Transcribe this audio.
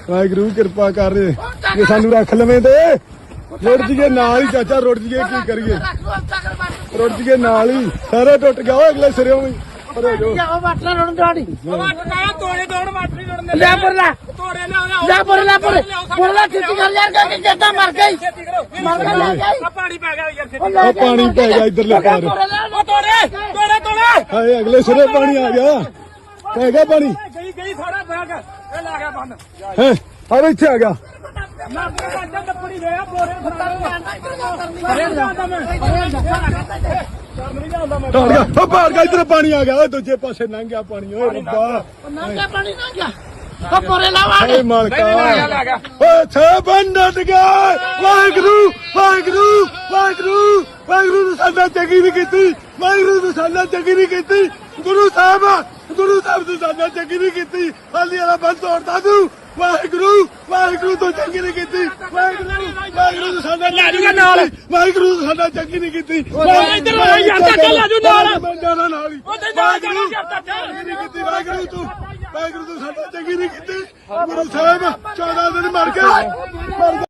ਵਾਹਿਗੁਰੂ ਕਿਰਪਾ ਕਰ ਜੇ ਸਾਨੂੰ ਰੱਖ ਲਵੇਂ ਤੇ ਰੁੜ ਜੀਏ ਨਾਲ ਹੀ ਚਾਚਾ ਰੁੜ ਜੀਏ ਕੀ ਕਰੀਏ ਰੁੜ ਜੀਏ ਨਾਲ ਹੀ ਸਾਰਾ ਟੁੱਟ ਗਿਆ ਓਏ ਅਗਲੇ ਸਿਰੇ ਵੀ ਅਰੇ ਜੋ ਉਹ ਵਾਟਲਾ ਰੋਣ ਦਾੜੀ ਤੋੜੇ ਤੋੜ ਮਾਟਰੀ ਤੋੜਨੇ ਲੈ ਪੁਰਲਾ ਤੋੜੇ ਲਿਆ ਲੈ ਪੁਰਲਾ ਪੁਰਲਾ ਛੇਤੀ ਕਰ ਯਾਰ ਕਿ ਜੱਟਾ ਮਰ ਗਈ ਮਰ ਗਈ ਆ ਪਾਣੀ ਪੈ ਗਿਆ ਯਾਰ ਛੇਤੀ ਉਹ ਪਾਣੀ ਪੈ ਗਿਆ ਇੱਧਰਲੇ ਪਾਰ ਉਹ ਤੋੜੇ ਤੋੜੇ ਤੋੜੇ ਹਾਏ ਅਗਲੇ ਸਿਰੇ ਪਾਣੀ ਆ ਗਿਆ ਪੈ ਗਿਆ ਪਾਣੀ ਗਈ ਸਾਰਾ ਬੈਗ ਇਹ ਲਾ ਗਿਆ ਬੰਨ ਹੈ ਆ ਇੱਥੇ ਆ ਗਿਆ ਨਾ ਬੱਚਾ ਟੱਪੜੀ ਗਿਆ ਬੋਰੇ ਟਾੜ ਗਿਆ ਉਹ ਪਾੜ ਗਿਆ ਇੱਧਰ ਪਾਣੀ ਆ ਗਿਆ ਓਏ ਦੂਜੇ ਪਾਸੇ ਲੰਘ ਗਿਆ ਪਾਣੀ ਓਏ ਰੱਬਾ ਨੰਗਾ ਪਾਣੀ ਨਾ ਗਿਆ ਉਹ ਪੁਰੇ ਲਾਵਾ ਏ ਮਾਲਕਾ ਓਏ ਛੇ ਬੰਦਟ ਗਏ ਵਾਹਿਗੁਰੂ ਵਾਹਿਗੁਰੂ ਵਾਹਿਗੁਰੂ ਵਾਹਿਗੁਰੂ ਨੂੰ ਸਾਡਾ ਚੰਗੀ ਨਹੀਂ ਕੀਤੀ ਵਾਹਿਗੁਰੂ ਨੂੰ ਸਾਡਾ ਚੰਗੀ ਨਹੀਂ ਕੀਤੀ ਗੁਰੂ ਸਾਹਿਬ ਨੂੰ ਸਾਡਾ ਚੰਗੀ ਨਹੀਂ ਕੀਤੀ ਹਾਲੀ ਵਾਲਾ ਬੰਦ ਤੋੜਦਾ ਤੂੰ ਵਾਹਿਗੁਰੂ ਵਾਹਿਗੁਰੂ ਤੋਂ ਚੰਗੀ ਨਹੀਂ ਕੀਤੀ ਵਾਹਿਗੁਰੂ ਨੂੰ ਸਾਡਾ ਨਾਲ ਵਾਹਿਗੁਰੂ ਨੂੰ ਸਾਡਾ ਚੰਗੀ ਨਹੀਂ ਕੀਤੀ ਇੱਧਰ ਆ ਯਾਰ ਚਾਚਾ ਲੈ ਜੂ ਨਾਲ ਮੈਂ ਜਾਣਾ ਨਾਲ ਹੀ ਉਹ ਤੇ ਨਾਲ ਜਾਣਾ ਯਾਰ ਚਾਚਾ ਨਹੀਂ ਕੀਤੀ ਵਾਹਿਗੁਰੂ ਤੂੰ ਸਾਡਾ ਚੰਗੀ ਨਹੀਂ ਕੀਤੀ ਗੁਰੂ ਸਾਹਿਬ 14 ਦਿਨ ਮਰ ਗਏ